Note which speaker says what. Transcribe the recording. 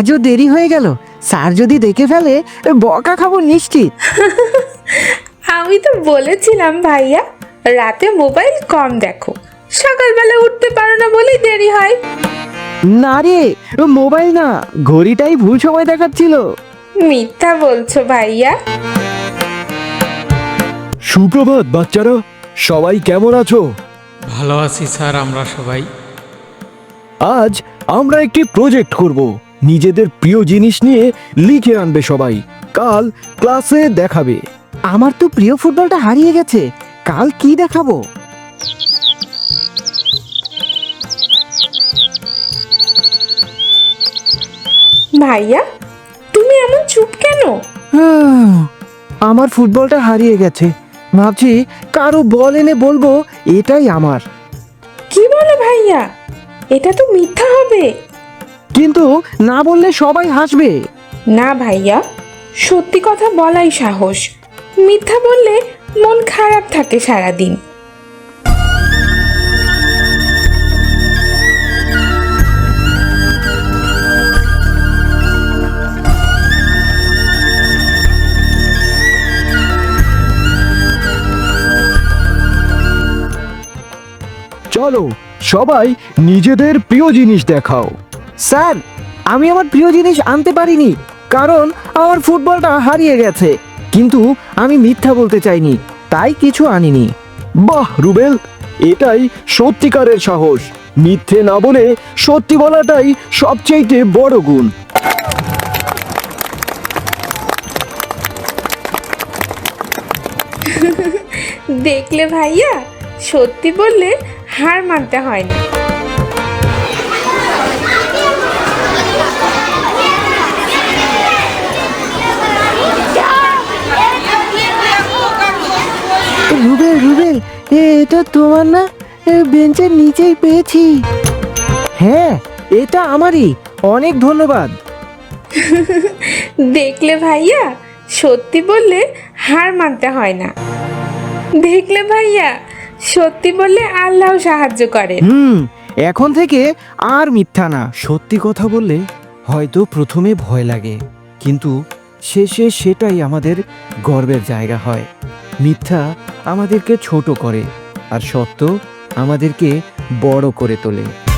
Speaker 1: আজও দেরি হয়ে গেল। স্যার যদি দেখে ফেলে বকা খাবো নিশ্চিত।
Speaker 2: আমি তো বলেছিলাম ভাইয়া, রাতে মোবাইল কম দেখো, সকালবেলা উঠতে পারো না বলেই দেরি হয়।
Speaker 1: না রে, মোবাইল না, ঘড়িটাই ভুল সময় দেখাচ্ছিল।
Speaker 2: মিথ্যা বলছো ভাইয়া।
Speaker 3: সুপ্রভাত বাচ্চারা, সবাই কেমন আছো?
Speaker 4: ভালো আছি স্যার, আমরা সবাই।
Speaker 3: আজ আমরা একটি প্রজেক্ট করব। নিজেদের প্রিয় জিনিস নিয়ে লিখে আনবে সবাই, কাল ক্লাসে দেখাবে।
Speaker 1: আমার তো প্রিয় ফুটবলটা হারিয়ে গেছে, কাল কি দেখাবো?
Speaker 2: ভাইয়া, তুমি এমন চুপ কেন?
Speaker 1: আমার ফুটবলটা হারিয়ে গেছে, ভাবছি কারো বল এনে বলবো এটাই আমার।
Speaker 2: কি বলো ভাইয়া, এটা তো মিথ্যা হবে।
Speaker 1: কিন্তু না বললে সবাই হাসবে।
Speaker 2: না ভাইয়া, সত্যি কথা বলাই সাহস। মিথ্যা বললে মন খারাপ থাকে সারাদিন।
Speaker 3: চলো সবাই নিজেদের প্রিয় জিনিস দেখাও।
Speaker 1: স্যার, আমি আমার প্রিয় জিনিস আনতে পারিনি, কারণ আমার ফুটবলটা হারিয়ে গেছে। কিন্তু আমি মিথ্যা বলতে চাইনি, তাই কিছু আনিনি।
Speaker 3: বাহ রুবেল, এটাই সত্যিকারের সাহস। মিথ্যে না বলে সত্যি বলাটাই সবচেয়ে বড় গুণ।
Speaker 2: দেখলে ভাইয়া, সত্যি বললে হার মানতে হয় না।
Speaker 1: রুবেল রুবেল, এটা তোমার না? বেঞ্চের নিচেই পেয়েছি। হ্যাঁ, এটা আমারই, অনেক ধন্যবাদ।
Speaker 2: দেখলে ভাইয়া, সত্যি বললে হার মানতে হয় না। দেখলে ভাইয়া, সত্যি বললে আল্লাহ সাহায্য করেন।
Speaker 1: এখন থেকে আর মিথ্যা না। সত্যি কথা বললে হয়তো প্রথমে ভয় লাগে, কিন্তু শেষে সেটাই আমাদের গর্বের জায়গা হয়। মিথ্যা আমাদেরকে ছোট করে, আর সত্য আমাদেরকে বড় করে তোলে।